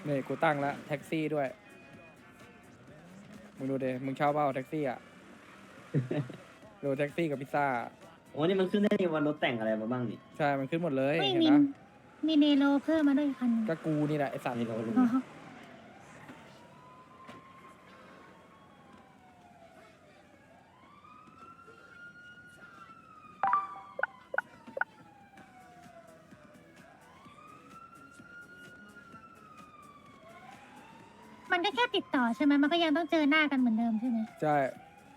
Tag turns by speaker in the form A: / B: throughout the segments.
A: นี่กูตั้งแล้วแท็กซี่ด้วยมึงดูดิมึงเช่าเปล่าแท็กซี่อ่ะ ดูแท็กซี่กับพิซซ่า
B: โอ้นี่มันขึ้นได้ในวันรถแต่งอะไรมาบ้างนี่
A: ใช่มันขึ้นหมดเลย
C: ไม่
A: เห็น
C: มี
A: นะ
C: มีเนโรเพิ่มมาด้วยคันหนึ่ง
A: ก็กูนี่แหละไอสัตว์
B: นี่เรารู้
C: อ๋อมันก็แค่ติดต่อใช่ไหมมันก็ยังต้องเจอหน้ากันเหมือนเดิมใช่ไหม
A: ใช่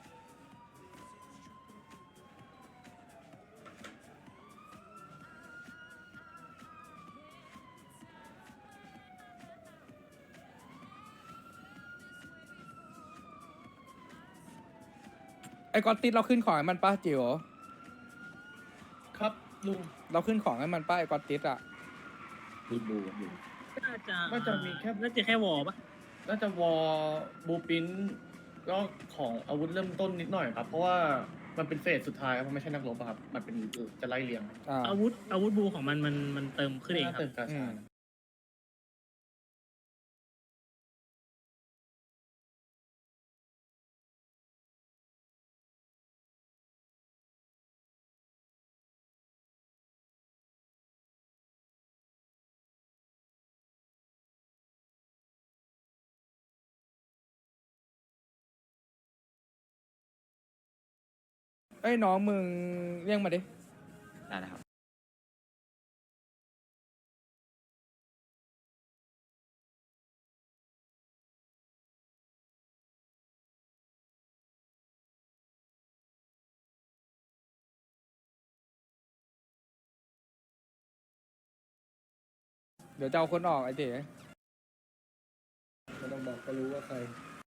A: ไอ้กอนติดเราขึ้นของให้มันป้าจิ๋ว
D: ครับลุง
A: เราขึ้นของให้มันป้าไอ้กอนติดอ่ะ
B: มีบูกับอยู่
D: น่าจะมีแค่
E: น่าจะแค่วอลปะ
D: น่าจะวอลบูปินก็ของอาวุธเริ่มต้นนิดหน่อยครับ เพราะว่ามันเป็นเฟสสุดท้ายครับมันไม่ใช่นักรบอะครับ มันเป็นจะไล่เรียง
A: อ่า
E: อาวุธบูของมันเติมขึ้นเองครับ
D: เติมกา
A: อื
D: ชาม
A: เอ้ยน้องมึงเรียกมาดิ
B: ได้นะครับ
A: เดี๋ยวจะเอาคนออกไอ้เจ๋
D: ไม่ต้องบอกก็รู้ว่าใคร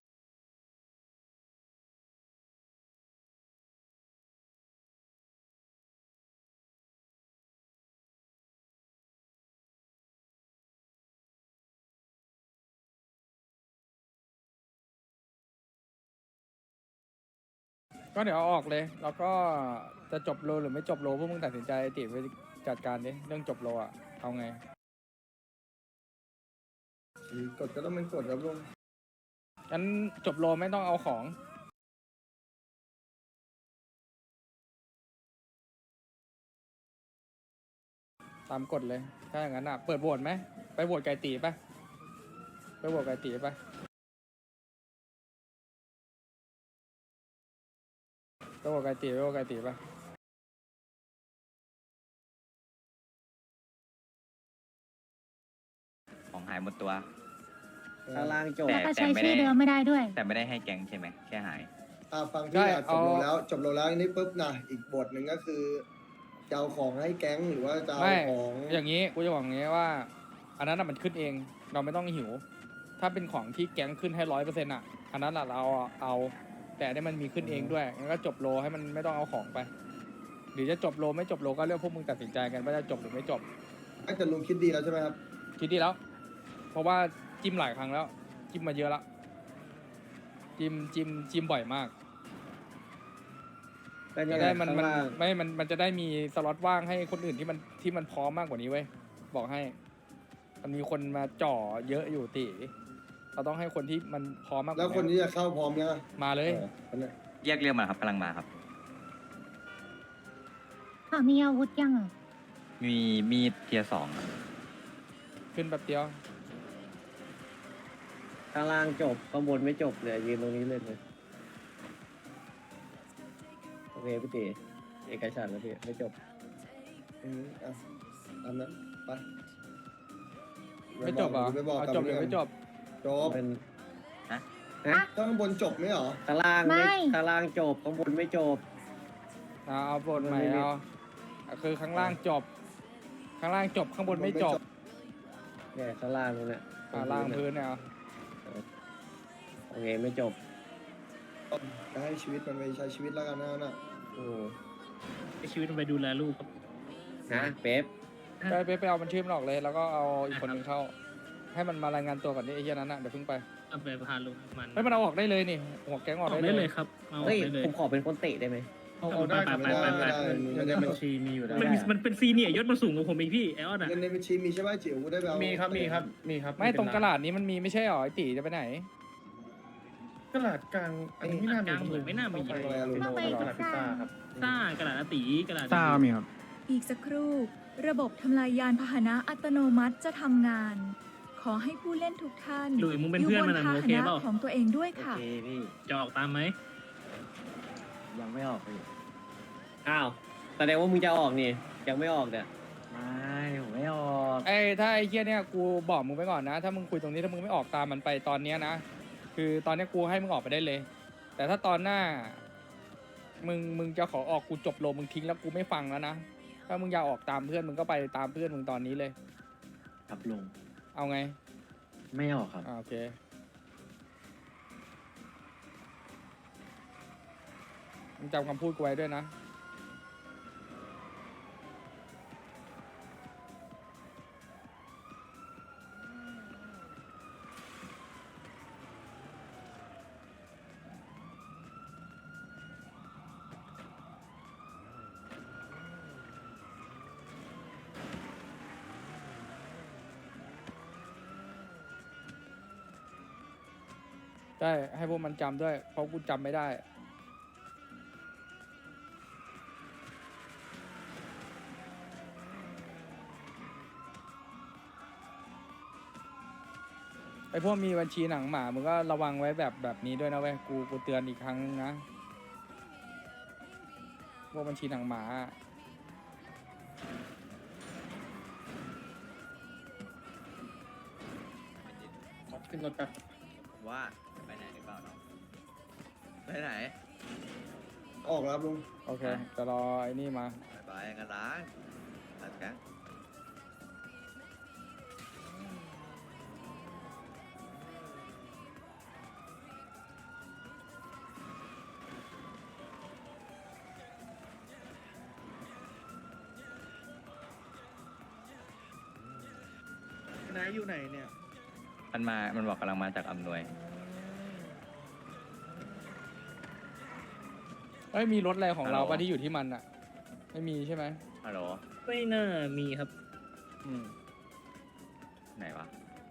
A: ก็เดี๋ยวเอาออกเลย แล้วก็จะจบโลหรือไม่จบโลพวกมึงตัดสินใจไอ้ติ๋วไปจัดการดิเรื่องจบโลอ่ะเอาไง
D: กดก็ต้องเป็นกดครับลุง
A: งั้นจบโลไม่ต้องเอาของตามกฎเลย ถ้าอย่างนั้นอ่ะ เปิดโหวตไหม ไปโหวตไก่ตีปะไปโหวตไก่ตีปะไปโหวตไก่ตีไปโหวตไก่ตีปะ
F: ของหายหมดตัว
B: ข้างล่างจบ
C: แล้วก็ใช้ชื่อเดิมไม่ได้ด้วย
F: แต่ไม่ได้ให้แก๊งใช่ไหมแค่หาย
G: ฟังพี่อ่ะจบโลแล้วจบโลแล้วอันนี้ปุ๊บนะอีกบทหนึ่งก็คือจะเอาของให้แก๊งหรือว่าจะเอา
A: ไม่
G: ของ
A: อย่างนี้กูจะบอกอย่างนี้ว่า อันนั้นน่ะมันขึ้นเอง เราไม่ต้องหิว ถ้าเป็นของที่แก๊งขึ้นให้100%อ่ะ อันนั้นน่ะเราเอา แต่อันนี้มันมีขึ้นเองด้วยงั้นก็จบโลให้มันไม่ต้องเอาของไป หรือจะจบโลไม่จบโลก็เรื่องพวกมึงตัดสินใจกันว่าจะจบหรือไม่จบ
G: แต่ลุงคิดดีแล้วใช่ไหมครับ
A: คิดดีแล้ว เพราะว่าจิ้มหลายครั้งแล้ว จิ้มมาเยอะละจิ้มบ่อยมาก
B: ก็
A: จะ
B: เนี่ย
A: ได้
B: ข้างล่าง
A: มันจะได้มีสล็อตว่างให้คนอื่นที่มันพร้อมมากกว่านี้เว้ย บอกให้ มันมีคนมาจ่อเยอะอยู่ติเราต้องให้คนที่มันพร้อมมากก
G: แล้ว
A: ว่า
G: คน
A: นี้
G: ที่จะเข้าพร้อมยังอะ
A: มาเลย
G: คนเนี้ย
F: เรียกมาครับกำลังมาครับ
C: มีอาวุธยังอ่ะ
F: มีมีดเทียร์สองครับ
A: ขึ้นแบบเดียว
B: ข้างล่างจบข้างบนไม่จบเลยยืนตรงนี้เลยโอเคพี่ตีเอกฉันท์แล้วพี่ไม่จบ
G: อ่ะตามนั้นไป
A: ไม่จบเหรอ
G: ไปบอก
A: เอา
G: กับ
A: จบหรือ
G: เพื่อน
A: ไม่จบ
G: จบ
B: เป็น
F: ฮะ
B: ฮะ
G: ข้างบนจบไหมเหรอ
B: ข้างล่างไม่
C: ไม่
B: ข้างล่างจบข้างบนไม่จบ
A: เอาบทใหม่เอาคือข้างล่างจบ ข้างล่างจบข้างบนไม่จบ
B: เนี่ยข้างล่างนู่นแหละ
A: ล่างพื้นเนี่ยเอา
B: โอเคไม่จบ
G: จะให้ชีวิตมันไปใช้ชีวิตแล้วกันนะน่ะ
B: โอ้
E: ให้ชีวิตมันไปดูแลลูกครับ
B: นะเป๊ป
A: ไปเอามันชื่อมันออกเลย แล้วก็เอาอีกคนหนึ่งเข้า ให้มันมารายงานตัวก่อนดิไอ้เหี้ยนั้นน่ะเดี๋ยวเพิ่งไป
E: เอาไปพาลูกมัน
A: เฮ้ยมันเอาออกได้เลยนี่หัวแก๊งอ
E: อ
A: อ
E: อก ก
A: ได้
E: ได้
A: เล
E: เลย ยครับเอาออ
B: เฮ้ย
E: กได้เลย
B: ผมขอเป็นคนเตะได้ไหม
D: เอาได้ครับ
E: ไป
D: เพราะว่า
E: ไป
D: เงินในบัญชีมีอยู่แล้ว
E: มันเป็นซีเนียร์ยศมาสูงกว่าผมอีกพี่ไอออนอ่ะ
G: เงินในบัญชีมีใช่ไหมจิ๋วได้ไปเอา
D: มีครับมีครับมีครับ
A: ไม่ตรงกระดาษนี้มันมีไม่ใช่หรอไอตีจะไปไหน
D: กระดาษกลางอันนี้ไม่น่ามี
E: กลางเหมือนไม่น่ามี
D: ต้องไปกระดาษพิซซ่าครับ
E: ซ่ากระดาษอาตีกระดาษ
H: ซ่ามีครับ
I: อีกสักครู่ ระบบทำลายยานพาหนะอัตโนมัติจะทำงาน ขอให้ผู้เล่นทุกท่าน
E: หลุยมึงเป็นเพื่อนมัน
I: ยู่
E: อะ
I: บ
E: มึง
I: พา
E: โอ
I: ห
E: เค
I: นะ
E: เปล่า
I: ของตัวเองด้วย
B: โอ
I: ค่ะ
B: เคพี่
E: จะออกตามไหม
B: ยังไม่ออกพี่อ้าวแสดงว่ามึงจะออกนี่ยังไม่ออกเนี่ยไม่ผมไม่ออก
A: ถ้าไอ้เหี้ยเนี่ยกูบอกมึงไปก่อนนะ ถ้ามึงคุยตรงนี้ถ้ามึงไม่ออกตามมันไปตอนเนี้ยนะคือตอนเนี้ยกูให้มึงออกไปได้เลย แต่ถ้าตอนหน้า มึงจะขอออกกูจบโลมึงทิ้งแล้วกูไม่ฟังแล้วนะถ้ามึงอยากออกตามเพื่อนมึงก็ไปตามเพื่อนมึงตอนนี้เลย
B: ครับลง
A: เอาไง
B: ไม่ออกครับ
A: โอเคมึงจำคำพูดกูไว้ด้วยนะ ได้ให้พวกมันจำด้วย เพราะกูจำไม่ได้ ไอพวกมีบัญชีหนังหมามึงก็ระวังไว้แบบนี้ด้วยนะเว้ยกูเตือนอีกครั้งนึงนะ พวกบัญชีหนังหมาอะ
D: ขึ้นรถแป๊บ
F: ว่าจะไปไหนหรือเปล่าน้องไปไหน
G: ออกแล้วครับลุง
A: โอเคจะรอไอ้นี่มา
F: ไปกันร้านร้านแก๊ง
H: นายอยู่ไหนเนี่ย
F: มันบอกกำลังมาจากอำนวย
A: เอ้ยมีรถอะไรของเรา
F: ฮัลโหล
A: ปะที่อยู่ที่มันอะไม่มีใช่ไหม
F: ฮัลโหล
E: ไม่น่ามีครับ
A: อืม
F: ไหนวะ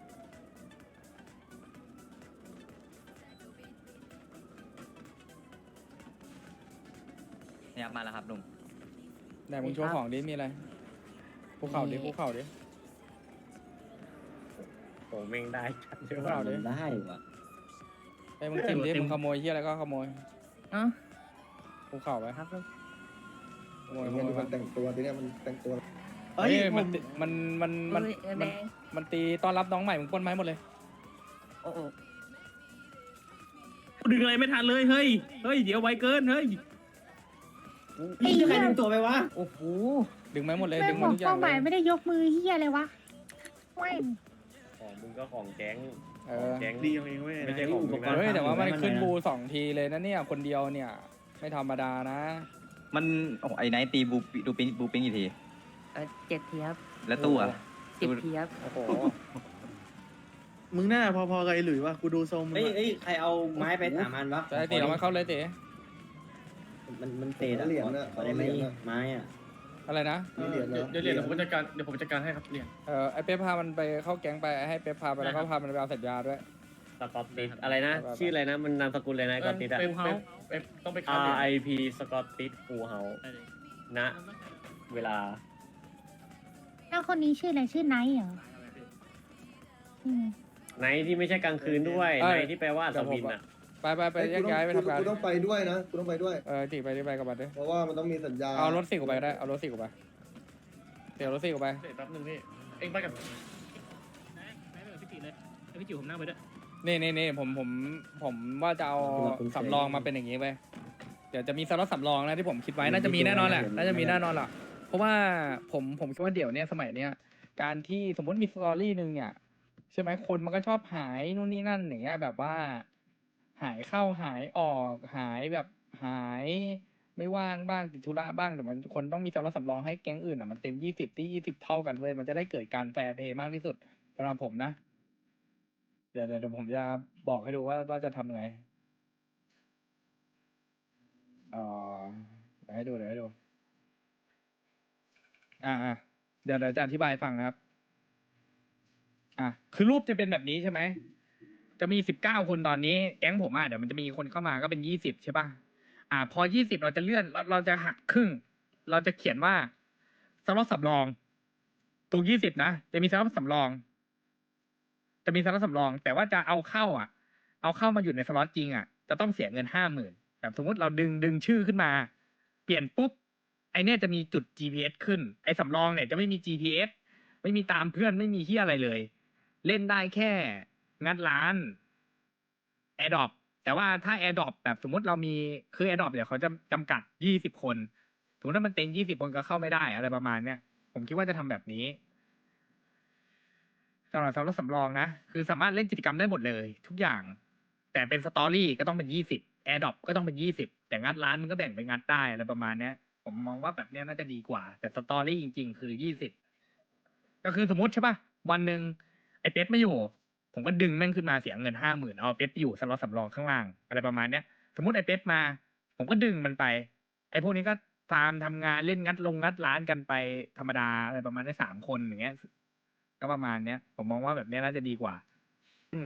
F: เนี่ยครับมาแล้วครับลุง
A: ไหนมึงโชว์ของดิมีอะไรภูเขาดิภูเขาดิ
B: ผมเองได้ชัดเย
A: เปล่าดิ
B: ได้ว่ะ
A: ไอ้มึงจิ้มดิ
E: เต็ม
A: มึงขโมยที่อะไรก็ขโมย
E: อ๋อ
A: ภูเขาไป
E: ครับ
A: ขโมย
G: ไอ้
A: ข
G: เงี้ย
A: โม
G: ดู
A: ย
G: มันแต่งตัวทีเนี้ยมันแต่งตัว
A: เฮ้ยมันตีต้อนรับน้องใหม่มึงปล้นไม้หมดเลย
E: ดึงอะไรไม่ทันเลยเฮ้ยเดี๋ยวไวเกินเฮ้ย
C: ไอ้เหี้ย
B: ใครดึงตัวไปวะ
G: โอ้โห
A: ดึงไม้หมดเลย
C: แม่
A: ดึ
C: ง
A: ง
C: บ
A: มา
C: อก
A: ทุกอย่า
C: เป้าง ห
A: เล
C: มาย
A: ย
C: ไม่ได้ยกมือเฮียเลยวะแม่ง
B: ของมึงก็ของแก๊ง
A: เออ
B: แก๊ง
H: ดีของเองเว้ย
B: ไม่ใช่ของอุปกรณ์
A: เฮ้ยแต่ว่ามันขึ้นบู2 ทีเลยนะเนี่ยคนเดียวเนี่ย ไม่ธรรมดานะ
F: มันโอ้ไอ้ไนท์ตีบูปิ้งกี่ที
J: 7 ทีครับ
F: แล้วตู้อะ
J: 10 ทีครับ
A: โอ้โห
H: มึงน่าพอๆกับไอ้หลุยวะกูดูทรงมึง
B: เฮ้ย
H: อะ
B: เฮ้ยใครเอาไม้ไปถามมันวะ
A: แต่ไอ้ตีเรามาเข้าเลยตี
B: มันเตะอะ
G: เหรียญน่ะ
B: ขอได้ไหม
G: เหรียญน่ะ
B: ไม้อะ
A: อะไรนะ
G: มีเหรียญนะ
D: เดี๋ยวเดี๋ยวผมจัดการให้ครับเหรียญ
A: ไอ้เป๊ปพามันไปเข้าแก๊งไปให้เป๊ปพาไปแล้วก็พามันไปเอาสัญญาด้วย
B: สกอตติสอะไรนะ ชื่ออะไรนะ มันนามสกุลเลยนะสกอตติสอะ
D: ต้องไปค้าเหรียญ
B: RIP สกอตติสฟูเฮาณเวลา
C: แล้วคนนี้ชื่ออะไรชื่อไนท์เหรออืม
B: ไนท์ที่ไม่ใช่กลางคืนด้วย
A: เอ้ย
B: ไนท์ที่แปลว่าอัศวินอะ
A: ไปแยกย้ายไปทำงาน
G: กูต้องไปด้วยนะกูต้องไปด้วย
A: ตีไปกับมันด้วย
G: เพราะว่ามันต้องมีสัญญา
A: เอารถ4 กูไปก็ได้เอารถ4 กูไปเดี๋ยวรถ4 กูไป
D: เดี๋ยวแป๊บนึงพี่เอ็งไปกับ
E: พี่จิเลยพี่จิผมนั่งไปด้วย
A: นี่ผมว่าจะเอาสำรองมาเป็นอย่างนี้ไปเดี๋ยวจะมีสล็อตสำรองนะที่ผมคิดไว้น่าจะมีแน่นอนแหละน่าจะมีแน่นอนแหละเพราะว่าผมคิดว่าเดี๋ยวเนี้ยสมัยเนี้ยการที่สมมติมีสตอรี่หนึ่งเนี่ยใช่ไหมคนมันก็ชอบหายนู่นนี่นั่นอย่างเงี้ยแบบว่า หายเข้าหายออกหายแบบหายไม่ว่างบ้างติดธุระบ้างแต่มันคนต้องมีสำรองสำรองให้แก๊งอื่นอ่ะมันเต็ม20ที่20เท่ากันเลยมันจะได้เกิดการแฟร์เพย์มากที่สุดสำหรับผมนะเดี๋ยวผมจะบอกให้ดูว่าจะทำไงเออให้ดูเดี๋ยวให้ดูเดี๋ยวจะอธิบายให้ฟังนะครับคือรูปจะเป็นแบบนี้ใช่ไหมจะมี19 คนตอนนี้แก๊งผมเดี๋ยวมันจะมีคนเข้ามาก็เป็น20ใช่ป่ะพอ20เราจะเลื่อนเราจะหักครึ่ง เราจะเขียนว่าสล็อตสำรองตรง20นะจะมีสล็อตสำรอง จะมีสล็อตสำรอง แต่ว่าจะเอาเข้ามาอยู่ในสล็อตจริงจะต้องเสียเงิน50,000แบบสมมติเราดึงชื่อขึ้นมา เปลี่ยนปุ๊บไอเนี้ยจะมีจุด GPS ขึ้นไอสำรองเนี่ยจะไม่มี GPS ไม่มีตามเพื่อนไม่มีที่อะไรเลย เล่นได้แค่งัดร้าน AirDrop แต่ว่าถ้า AirDrop แบบสมมติเรามีคือ AirDrop เดี๋ยวเขาจะจำกัด20 คนสมมติถ้ามันเต็ม20 คนก็เข้าไม่ได้อะไรประมาณเนี้ยผมคิดว่าจะทำแบบนี้สำหรับสำรองนะคือสามารถเล่นกิจกรรมได้หมดเลย ทุกอย่าง แต่เป็นสตอรี่ก็ต้องเป็น20 AirDrop ก็ต้องเป็น20แต่งัดร้านมันก็แบ่งไปงัดได้อะไรประมาณเนี้ยผมมองว่าแบบเนี้ยน่าจะดีกว่า แต่สตอรี่จริงๆคือ20ก็คือสมมติใช่ป่ะวันหนึ่งไอ้เป็ดไม่อยู่ผมก็ดึงแม่งขึ้นมาเสียเงิน50,000เอาเป็ดไปอยู่สล็อตสำรองข้างล่างอะไรประมาณเนี้ยสมมติไอ้เป็ดมาผมก็ดึงมันไปไอ้พวกนี้ก็ฟาร์มทำงานเล่นงัดร้านกันไปธรรมดาอะไรประมาณนี้3 คนอย่างเงี้ยก็ประมาณเนี้ยผมมองว่าแบบเนี้ยน่าจะดีกว่า